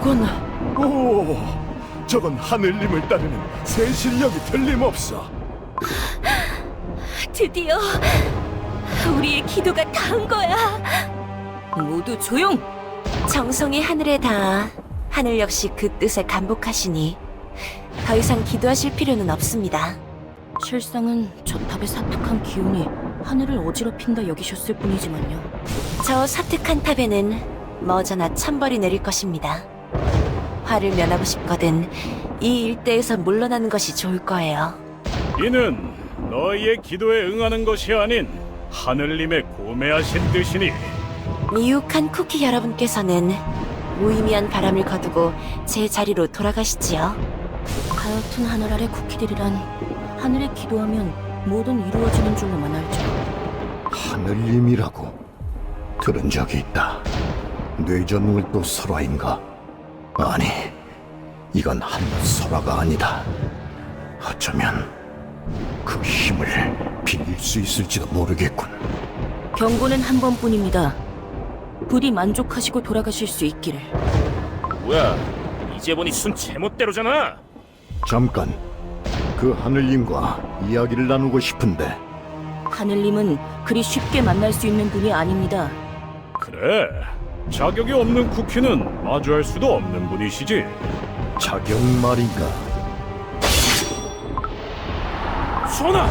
저건... 오, 저건 하늘님을 따르는 새 실력이 틀림없어. 드디어 우리의 기도가 닿은 거야. 모두 조용! 정성이 하늘에 닿아 하늘 역시 그 뜻에 감복하시니 더 이상 기도하실 필요는 없습니다. 실상은 저 탑의 사특한 기운이 하늘을 어지럽힌다 여기셨을 뿐이지만요. 저 사특한 탑에는 머저나 천벌이 내릴 것입니다. 화를 면하고 싶거든 이 일대에서 물러나는 것이 좋을 거예요. 이는 너희의 기도에 응하는 것이 아닌 하늘님의 고매하신 뜻이니 미혹한 쿠키 여러분께서는 무의미한 바람을 거두고 제 자리로 돌아가시지요. 하여튼 하늘 아래 쿠키들이란 하늘에 기도하면 뭐든 이루어지는 줄로만 알죠. 하늘님이라고 들은 적이 있다. 뇌전울도 설화인가? 아니, 이건 하늘 설화가 아니다. 어쩌면 그 힘을 빌릴 수 있을지도 모르겠군. 경고는 한 번뿐입니다. 부디 만족하시고 돌아가실 수 있기를. 뭐야, 이제 보니 순 제멋대로잖아. 잠깐, 그 하늘님과 이야기를 나누고 싶은데. 하늘님은 그리 쉽게 만날 수 있는 분이 아닙니다. 그래, 자격이 없는 쿠키는 마주할 수도 없는 분이시지. 자격 말인가? 수원아!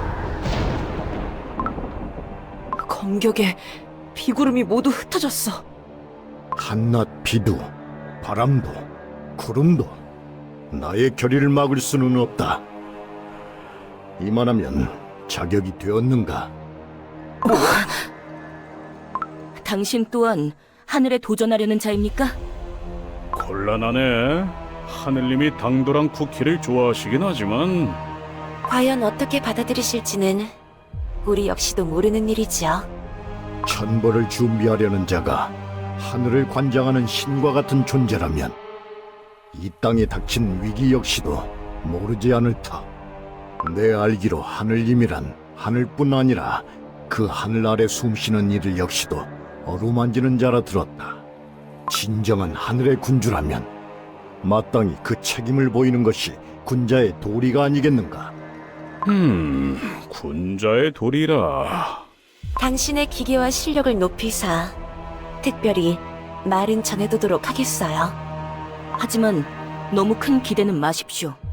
검격에 비구름이 모두 흩어졌어. 한낮 비도, 바람도, 구름도 나의 결의를 막을 수는 없다. 이만하면 자격이 되었는가? 당신 또한 하늘에 도전하려는 자입니까? 곤란하네. 하늘님이 당돌한 쿠키를 좋아하시긴 하지만 과연 어떻게 받아들이실지는 우리 역시도 모르는 일이지요. 천벌을 준비하려는 자가 하늘을 관장하는 신과 같은 존재라면 이 땅에 닥친 위기 역시도 모르지 않을 터. 내 알기로 하늘님이란 하늘뿐 아니라 그 하늘 아래 숨쉬는 이들 역시도 어루만지는 자라 들었다. 진정한 하늘의 군주라면 마땅히 그 책임을 보이는 것이 군자의 도리가 아니겠는가? 군자의 도리라. 당신의 기계와 실력을 높이사 특별히 말은 전해두도록 하겠어요. 하지만 너무 큰 기대는 마십시오.